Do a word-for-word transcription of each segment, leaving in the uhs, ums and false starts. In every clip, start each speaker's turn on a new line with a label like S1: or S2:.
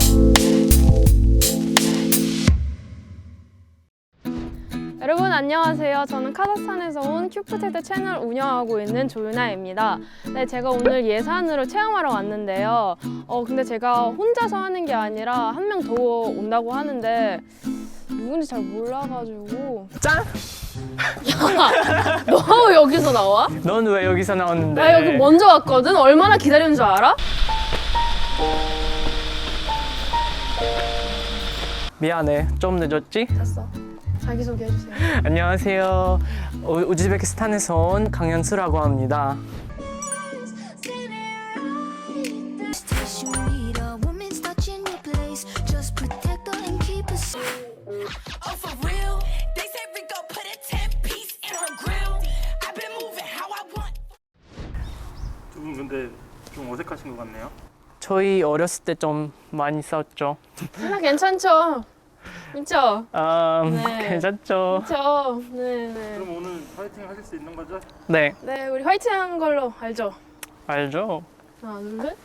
S1: 여러분 안녕하세요. 저는 카자흐스탄에서 온 큐프테드 채널 운영하고 있는 조윤아입니다. 네, 제가 오늘 예산으로 체험하러 왔는데요. 어, 근데 제가 혼자서 하는 게 아니라 한 명 더 온다고 하는데 누군지 잘 몰라가지고.
S2: 짠!
S1: 야, 너 여기서 나와?
S2: 넌 왜 여기서 나왔는데?
S1: 나 여기 먼저 왔거든? 얼마나 기다리는 줄 알아?
S2: 미안해, 좀 늦었지?
S1: 됐어. 자기소개 해주세요.
S2: 안녕하세요. 우, 우즈베키스탄에서 온 강현수라고 합니다.
S3: 두 분 근데 좀 어색하신 것 같네요.
S2: 저희 어렸을 때 좀 많이 싸웠죠.
S1: 나 괜찮죠? 그쵸?
S2: 아,
S1: 네.
S2: 괜찮죠?
S1: 그쵸? 네네.
S3: 그럼 오늘 파이팅 하실 수 있는 거죠?
S2: 네,
S1: 네, 우리 화이팅 한 걸로 알죠?
S2: 알죠?
S1: 하나, 둘, 셋.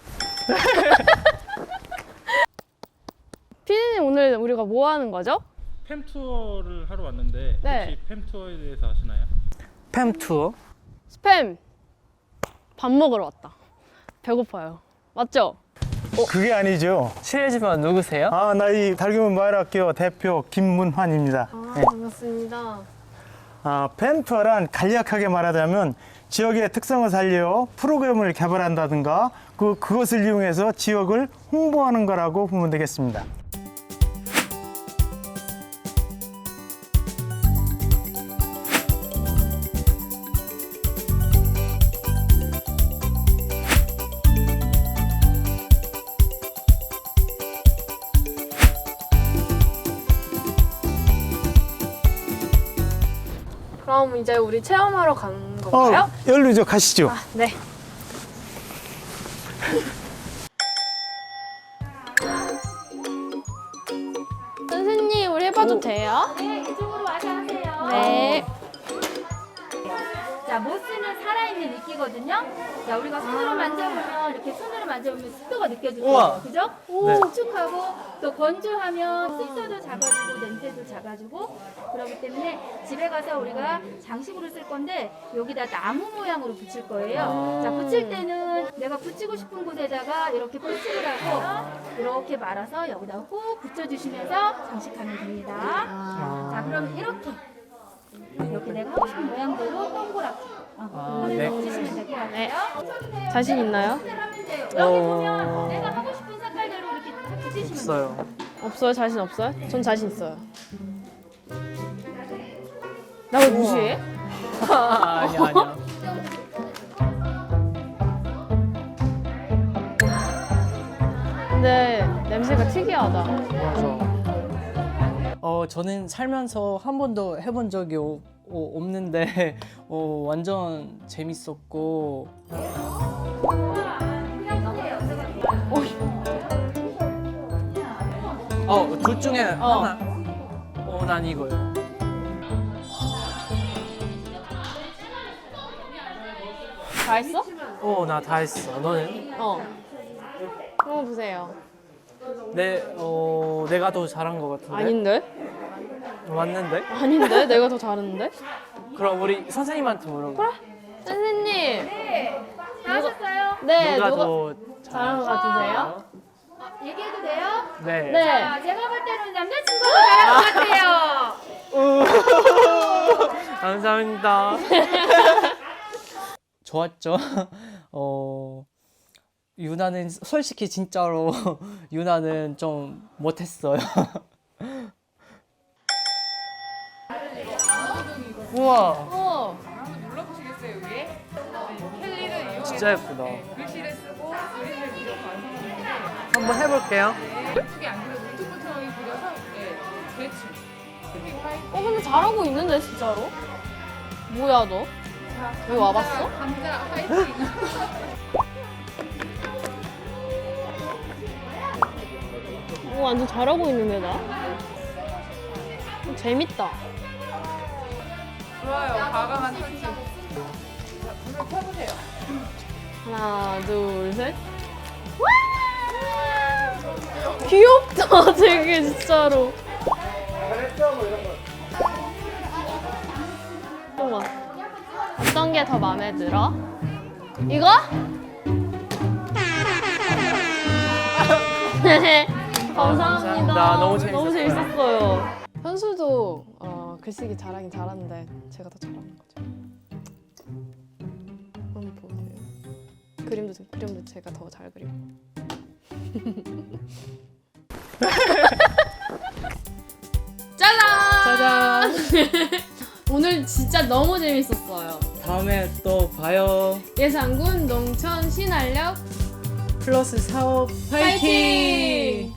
S1: 피디님, 오늘 우리가 뭐 하는 거죠?
S4: 팸 투어를 하러 왔는데
S1: 네.
S4: 혹시 팸 투어에 대해서 아시나요?
S2: 팸 투어?
S1: 스팸! 밥 먹으러 왔다. 배고파요. 맞죠?
S5: 그게 아니죠.
S2: 실례지만 누구세요?
S5: 아, 나 이 달규문 마을학교 대표 김문환입니다.
S1: 아,
S5: 네.
S1: 반갑습니다.
S5: 아, 팸투어란 간략하게 말하자면 지역의 특성을 살려 프로그램을 개발한다든가 그, 그것을 이용해서 지역을 홍보하는 거라고 보면 되겠습니다.
S1: 그럼 이제 우리 체험하러 가는
S5: 어,
S1: 건가요?
S5: 열루죠. 가시죠.
S1: 아, 네. 선생님, 우리 해봐도 돼요?
S6: 네, 이쪽으로 와서 하세요.
S1: 네.
S6: 자, 모스는 살아있는 이끼거든요. 자, 우리가 손으로 만져보면 이렇게 손으로 만져보면 습도가 느껴질
S2: 우와.
S6: 거예요. 그죠?
S2: 네.
S6: 촉촉하고 또 건조하면 습도도 작아지고 냄새도 작아지고 그렇기 때문에 집에 가서 우리가 장식으로 쓸 건데 여기다 나무 모양으로 붙일 거예요. 자, 붙일 때는 내가 붙이고 싶은 곳에다가 이렇게 붙이를 하고 이렇게 말아서 여기다 꾹 붙여주시면서 장식하면 됩니다. 자, 그럼 이렇게 이렇게 내가 하고 싶은 모양대로 동그랗게 어,
S2: 아, 네.
S6: 붙이시면 될 것 같아요.
S1: 자신 있나요?
S6: 여기
S2: 어.
S6: 보면 내가 하고 싶은 색깔대로 이렇게 다 붙이시면 돼요.
S2: 없어요.
S1: 없어요? 자신 없어요? 전 자신 있어요. 나 왜 무시해?
S2: 아, 아니야, 아니야.
S1: 근데 냄새가 특이하다.
S2: 맞아. 어, 저는 살면서 한 번도 해본 적이 오, 오, 없는데 어, 완전 재밌었고 어, 둘 중에
S1: 어.
S2: 하나. 어, 난 이거요.
S1: 다 했어?
S2: 어, 나 다 했어. 너는?
S1: 어. 한번 보세요.
S2: 내, 어, 내가 더 잘한 것 같은데?
S1: 아닌데?
S2: 맞는데?
S1: 아닌데? 내가 더 잘했는데?
S2: 그럼 우리 선생님한테 물어봐.
S1: 선생님!
S6: 다 하셨어요?
S1: 네,
S2: 누가
S1: 누가
S2: 더
S1: 잘한 것 같으세요?
S6: 얘기해도 돼요?
S2: 네.
S1: 네.
S6: 자, 제가 볼 때는 남자친구가 잘한 것 같아요.
S2: 감사합니다. 좋았죠? 어, 유나는 솔직히 진짜로 유나는 좀 못했어요. 우와,
S1: 어.
S2: 진짜 예쁘다. 한번 해볼게요.
S1: 어, 근데 잘하고 있는데, 진짜로? 뭐야, 너? 여기 와봤어? 오, 완전 잘하고 있는데, 나? 어, 재밌다.
S7: 좋아요. 과감한 터치.
S1: 하나, 둘, 셋. 귀엽다, 되게 진짜로. 우와. 어떤 게 더 마음에 들어? 이거? 감사합니다.
S2: 감사합니다. 너무
S1: 너무
S2: 재밌었어요.
S1: 재밌었어요. 현수도 어, 글쓰기 잘하긴 잘하는데 제가 더 잘하는 거죠. 한번 보세요. 그림도 그림도 제가 더 잘 그리고. 짜잔!
S2: 짜잔.
S1: 오늘 진짜 너무 재밌었어요.
S2: 다음에 또 봐요.
S1: 예산군 농촌 신활력
S2: 플러스 사업 파이팅!
S1: 파이팅!